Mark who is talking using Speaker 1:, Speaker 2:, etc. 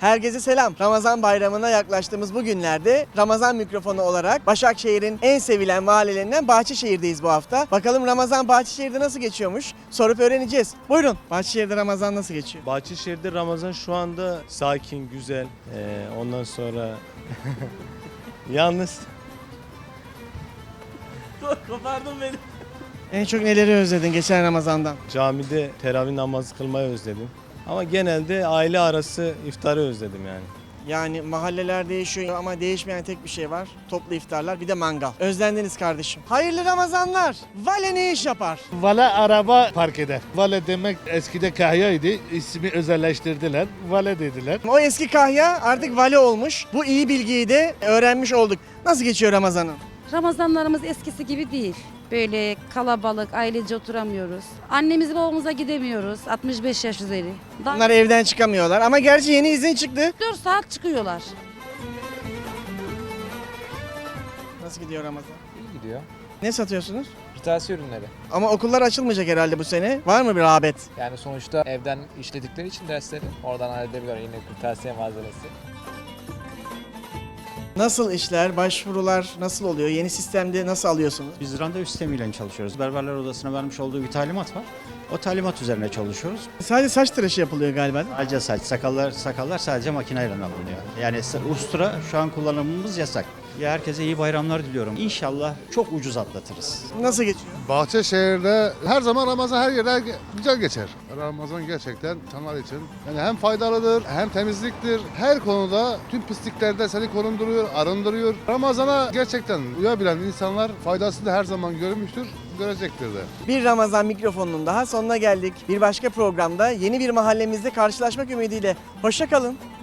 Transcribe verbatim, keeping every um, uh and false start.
Speaker 1: Herkese selam. Ramazan bayramına yaklaştığımız bu günlerde Ramazan mikrofonu olarak Başakşehir'in en sevilen mahallelerinden Bahçeşehir'deyiz bu hafta. Bakalım Ramazan Bahçeşehir'de nasıl geçiyormuş? Sorup öğreneceğiz. Buyurun. Bahçeşehir'de Ramazan nasıl geçiyor?
Speaker 2: Bahçeşehir'de Ramazan şu anda sakin, güzel. Ee, ondan sonra yalnız kopardın beni.
Speaker 1: En çok neleri özledin geçen Ramazan'dan?
Speaker 2: Camide teravih namazı kılmayı özledim. Ama genelde aile arası iftarı özledim yani.
Speaker 1: Yani mahalleler değişiyor ama değişmeyen tek bir şey var. Toplu iftarlar, bir de mangal. Özlendiniz kardeşim. Hayırlı Ramazanlar. Vale ne iş yapar?
Speaker 3: Vale araba park eder. Vale demek eskide kahyaydı. İsmi özelleştirdiler. Vale dediler.
Speaker 1: O eski kahya artık vale olmuş. Bu iyi bilgiyi de öğrenmiş olduk. Nasıl geçiyor Ramazan'ın?
Speaker 4: Ramazanlarımız eskisi gibi değil. Böyle kalabalık, ailece oturamıyoruz. Annemiz babamıza gidemiyoruz. altmış beş yaş üzeri. Daha
Speaker 1: Bunlar evden çıkamıyorlar ama gerçi yeni izin çıktı.
Speaker 4: dört saat çıkıyorlar.
Speaker 1: Nasıl gidiyor Ramazan?
Speaker 5: İyi gidiyor.
Speaker 1: Ne satıyorsunuz?
Speaker 5: Kırtasiye ürünleri.
Speaker 1: Ama okullar açılmayacak herhalde bu sene. Var mı bir rağbet?
Speaker 5: Yani sonuçta evden işledikleri için dersleri oradan halledebiliyor yine kırtasiye malzemesi.
Speaker 1: Nasıl işler, başvurular nasıl oluyor? Yeni sistemde nasıl alıyorsunuz?
Speaker 6: Biz randevu sistemiyle çalışıyoruz. Berberler Odası'na vermiş olduğu bir talimat var. O talimat üzerine çalışıyoruz.
Speaker 1: Sadece saç tıraşı yapılıyor galiba.
Speaker 6: Sadece saç, sakallar, sakallar sadece makineyle alınıyor. Yani ustura şu an kullanımımız yasak. Ya herkese iyi bayramlar diliyorum. İnşallah çok ucuz atlatırız.
Speaker 1: Nasıl geçiyor?
Speaker 7: Bahçeşehir'de her zaman Ramazan her yerde güzel geçer. Ramazan gerçekten insanlar için yani hem faydalıdır hem temizliktir. Her konuda tüm pisliklerden seni korunduruyor, arındırıyor. Ramazan'a gerçekten uyabilen insanlar faydasını da her zaman görmüştür, görecektir de.
Speaker 1: Bir Ramazan mikrofonunun daha sonuna geldik. Bir başka programda yeni bir mahallemizde karşılaşmak ümidiyle. Hoşça kalın.